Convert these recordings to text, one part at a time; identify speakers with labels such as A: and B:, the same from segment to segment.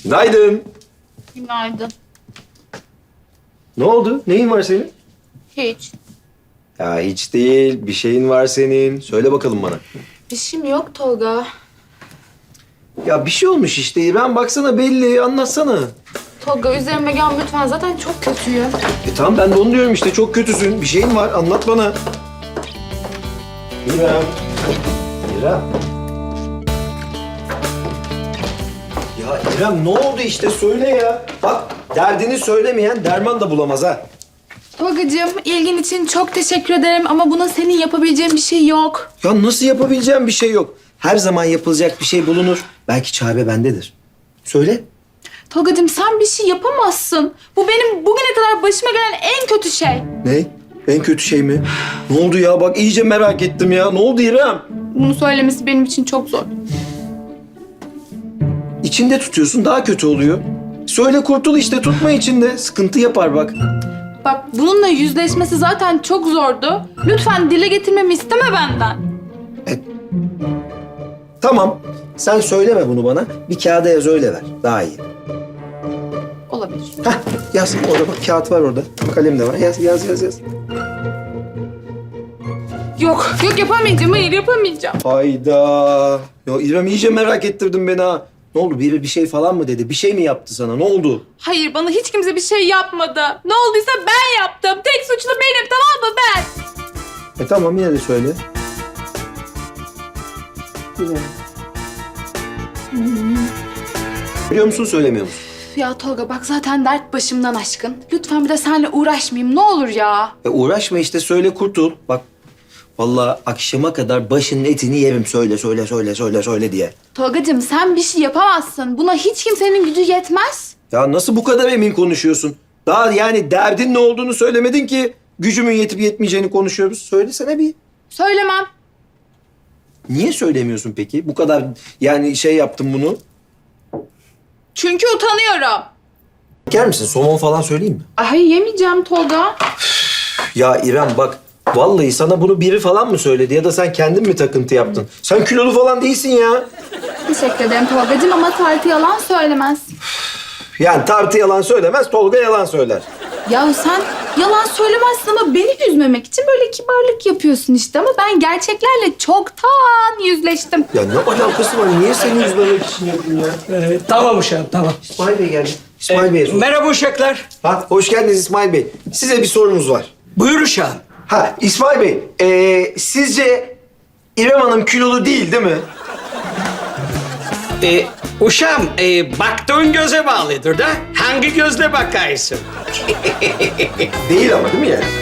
A: Günaydın.
B: Günaydın.
A: Ne oldu? Neyin var senin?
B: Hiç.
A: Ya hiç değil. Bir şeyin var senin. Söyle bakalım bana.
B: Bir şeyim yok Tolga.
A: Ya bir şey olmuş işte. İrem baksana belli. Anlatsana.
B: Tolga üzerime gel lütfen. Zaten çok kötüyüm.
A: Tamam ben de onu diyorum işte. Çok kötüsün. Bir şeyin var. Anlat bana. İrem. İrem. Ya İrem ne oldu işte söyle ya. Bak derdini söylemeyen derman da bulamaz ha.
B: Tolgacığım ilgin için çok teşekkür ederim ama buna senin yapabileceğin bir şey yok.
A: Ya nasıl yapabileceğim bir şey yok. Her zaman yapılacak bir şey bulunur. Belki çare bendedir. Söyle.
B: Tolgacığım sen bir şey yapamazsın. Bu benim bugüne kadar başıma gelen en kötü şey.
A: Ne? En kötü şey mi? Ne oldu ya? Bak iyice merak ettim ya. Ne oldu İrem?
B: Bunu söylemesi benim için çok zor.
A: İçinde tutuyorsun daha kötü oluyor. Söyle kurtul işte tutma içinde. Sıkıntı yapar bak.
B: Bak bununla yüzleşmesi zaten çok zordu. Lütfen dile getirmemi isteme benden.
A: Tamam. Sen söyleme bunu bana. Bir kağıda yaz öyle ver. Daha iyi.
B: Olabilir.
A: Hah yaz. Orada bak kağıt var orada. Kalem de var. Yaz.
B: Yok yapamayacağım. Hayır yapamayacağım.
A: Hayda. Ya İrem iyice merak ettirdin beni ha. Ne oldu? Biri bir şey falan mı dedi? Bir şey mi yaptı sana? Ne oldu?
B: Hayır bana hiç kimse bir şey yapmadı. Ne olduysa ben yaptım. Tek suçlu benim tamam mı ben?
A: Tamam yine de söyle. Güzel. Biliyor musun söylemiyor musun?
B: Ya Tolga bak zaten dert başımdan aşkın. Lütfen bir de seninle uğraşmayayım ne olur ya.
A: Uğraşma işte söyle kurtul. Bak vallahi akşama kadar başının etini yerim söyle diye.
B: Tolgacığım sen bir şey yapamazsın. Buna hiç kimsenin gücü yetmez.
A: Ya nasıl bu kadar emin konuşuyorsun? Daha yani derdin ne olduğunu söylemedin ki gücümün yetip yetmeyeceğini konuşuyoruz. Söylesene bir.
B: Söylemem.
A: Niye söylemiyorsun peki? Bu kadar yani şey yaptım bunu.
B: Çünkü utanıyorum.
A: Yer misin? Somon falan söyleyeyim mi?
B: Ay yemeyeceğim Tolga.
A: Ya İrem bak vallahi sana bunu biri falan mı söyledi ya da sen kendin mi takıntı yaptın? Sen kilolu falan değilsin ya.
B: Teşekkür ederim Tolgacığım ama Tartı yalan söylemez.
A: Yani Tartı yalan söylemez, Tolga yalan söyler.
B: Ya sen yalan söylemezsin ama beni üzmemek için böyle kibarlık yapıyorsun işte. Ama ben gerçeklerle çoktan yüzleştim.
A: Ya ne alakası var? Niye seni üzmemek için yapayım ya?
C: Tamam uşağım, tamam.
A: İsmail Bey geldi. İsmail Bey'e sor.
C: Merhaba uşaklar.
A: Ha, hoş geldiniz İsmail Bey. Size bir sorumuz var.
C: Buyur uşağım.
A: Ha, İsmail Bey, sizce İrem Hanım kilolu değil mi?
C: Uşağım, baktığın göze bağlıdır da. Hangi gözle bakarsın?
A: Değil ama değil mi yani?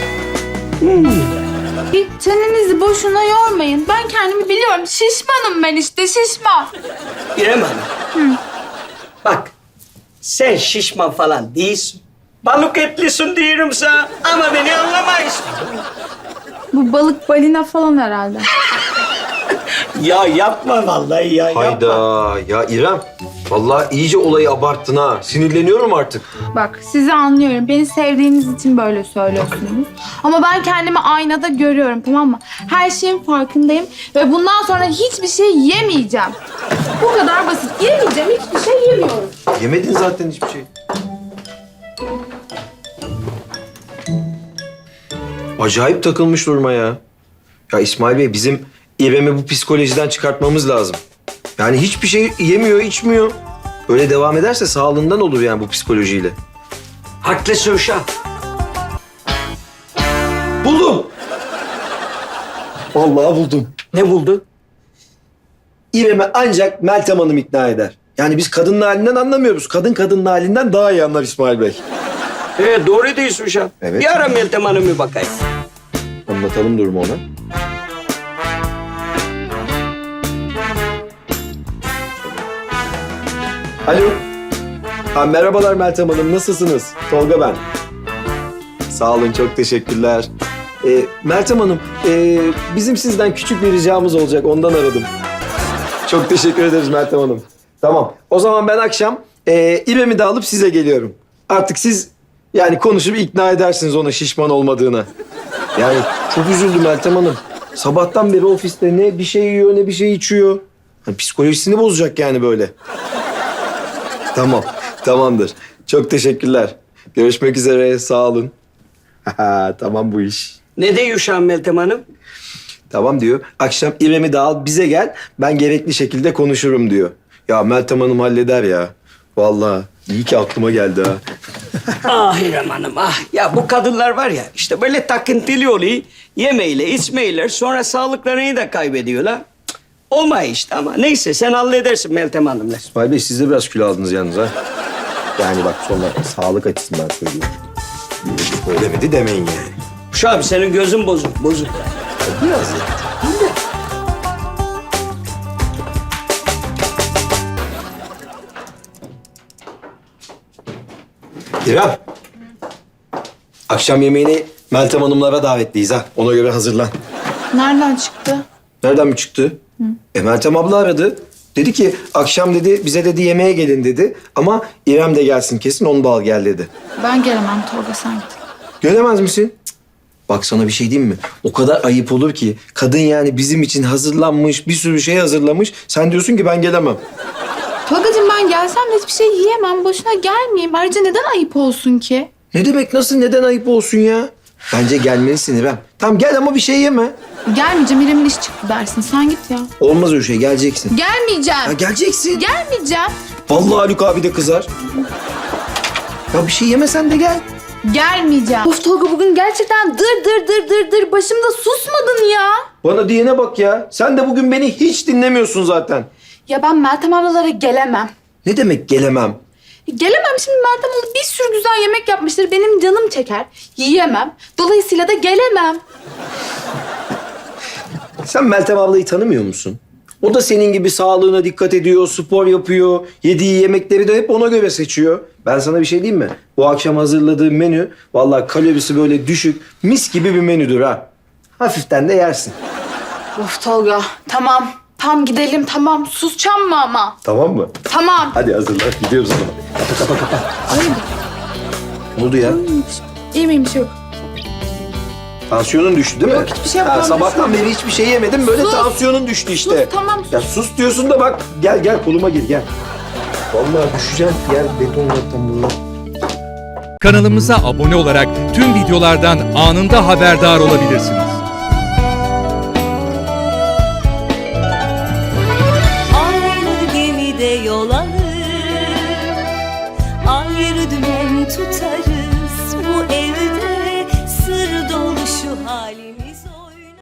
B: Hiç çenenizi boşuna yormayın. Ben kendimi biliyorum. Şişmanım ben işte şişman.
C: İrem Hanım. Bak, sen şişman falan değilsin. Balık etlisin diyorum sana ama beni anlamayız.
B: Bu balık balina falan herhalde.
C: Ya yapma vallahi ya, yapma.
A: Hayda, ya İrem. Vallahi iyice olayı abarttın ha. Sinirleniyorum artık.
B: Bak sizi anlıyorum. Beni sevdiğiniz için böyle söylüyorsunuz. Ama ben kendimi aynada görüyorum tamam mı? Her şeyin farkındayım. Ve bundan sonra hiçbir şey yemeyeceğim. Bu kadar basit. Yemeyeceğim. Hiçbir şey yemiyorum.
A: Yemedin zaten hiçbir şey. Acayip takılmış duruma ya. Ya İsmail Bey bizim İrem'i bu psikolojiden çıkartmamız lazım. Yani hiçbir şey yemiyor, içmiyor. Böyle devam ederse sağlığından olur yani bu psikolojiyle.
C: Haklısın uşağım.
A: Buldum. Vallahi buldum.
C: Ne buldun?
A: İrem'i ancak Meltem Hanım ikna eder. Yani biz kadının halinden anlamıyoruz. Kadın kadının halinden daha iyi anlar İsmail Bey.
C: Doğru diyorsun uşağım.
A: Evet.
C: Bir ara Meltem Hanım'ı bakayım.
A: Anlatalım durumu ona. Alo. Ha, merhabalar Meltem Hanım. Nasılsınız? Tolga ben. Sağ olun. Çok teşekkürler. Meltem Hanım, bizim sizden küçük bir ricamız olacak. Ondan aradım. Çok teşekkür ederiz Meltem Hanım. Tamam. O zaman ben akşam İrem'i de alıp size geliyorum. Artık siz yani konuşup ikna edersiniz ona şişman olmadığına. Yani çok üzüldüm Meltem Hanım. Sabahtan beri ofiste ne bir şey yiyor ne bir şey içiyor. Hani psikolojisini bozacak yani böyle. Tamam, tamamdır. Çok teşekkürler. Görüşmek üzere, sağ olun. Tamam bu iş.
C: Ne diyor şu an Meltem Hanım?
A: Tamam diyor. Akşam İrem'i de al bize gel. Ben gerekli şekilde konuşurum diyor. Ya Meltem Hanım halleder ya. Vallahi iyi ki aklıma geldi ha.
C: Ah İrem Hanım ah. Ya bu kadınlar var ya işte böyle takıntılı oluyor. Yemeyle içmeyle sonra sağlıklarını da kaybediyorlar. Cık, olmuyor işte ama neyse sen halledersin Meltem Hanım'la.
A: İsmail Bey siz de biraz kilo aldınız yalnız ha. Yani bak sonra sağlık açısından söylüyorum. Demedi demeyin yani.
C: Şu abi senin gözün bozuk bozuk.
A: Biraz ya. İrem. Akşam yemeğini Meltem Hanımlara davetliyiz ha. Ona göre hazırlan.
B: Nereden çıktı?
A: Nereden mi çıktı? Meltem abla aradı. Dedi ki akşam dedi bize dedi yemeğe gelin dedi. Ama İrem de gelsin kesin onu da al gel dedi.
B: Ben gelemem Tolga, sen git.
A: Gelemez misin? Cık. Bak sana bir şey diyeyim mi? O kadar ayıp olur ki. Kadın yani bizim için hazırlanmış, bir sürü şey hazırlamış. Sen diyorsun ki ben gelemem.
B: Tolgacığım ben gelsem de hiçbir şey yiyemem. Boşuna gelmeyeyim. Ayrıca neden ayıp olsun ki?
A: Ne demek nasıl neden ayıp olsun ya? Bence gelmelisin İrem. Tamam gel ama bir şey yeme.
B: Gelmeyeceğim. İrem'in iş çıktı dersin. Sen git ya.
A: Olmaz öyle şey geleceksin.
B: Gelmeyeceğim.
A: Ya geleceksin.
B: Gelmeyeceğim.
A: Vallahi Haluk abi de kızar. Ya bir şey yemesen de gel.
B: Gelmeyeceğim. Of Tolga bugün gerçekten dır başımda susmadın ya.
A: Bana diyene bak ya. Sen de bugün beni hiç dinlemiyorsun zaten.
B: Ya ben Meltem ablalara gelemem.
A: Ne demek gelemem?
B: Gelemem şimdi, Meltem abla bir sürü güzel yemek yapmıştır. Benim canım çeker. Yiyemem. Dolayısıyla da gelemem.
A: Sen Meltem ablayı tanımıyor musun? O da senin gibi sağlığına dikkat ediyor, spor yapıyor. Yediği yemekleri de hep ona göre seçiyor. Ben sana bir şey diyeyim mi? Bu akşam hazırladığım menü vallahi kalorisi böyle düşük, mis gibi bir menüdür ha. Hafiften de yersin.
B: Of Tolga tamam. Tam gidelim tamam. Susacağım mı ama?
A: Tamam mı?
B: Tamam.
A: Hadi hazırlan. Gidiyoruz o zaman. Kapa. Ne oldu ya?
B: İyi miymiş yok?
A: Tansiyonun düştü değil mi?
B: Yok, hiçbir şey yapmadım,
A: Sabahtan beri hiçbir şey yemedim. Böyle
B: Sus.
A: tansiyonun düştü işte.
B: Sus, tamam, sus.
A: Ya sus diyorsun da bak. Gel koluma gir gel. Vallahi düşeceğim. Gel beton zaten bunlar.
D: Kanalımıza abone olarak tüm videolardan anında haberdar olabilirsiniz.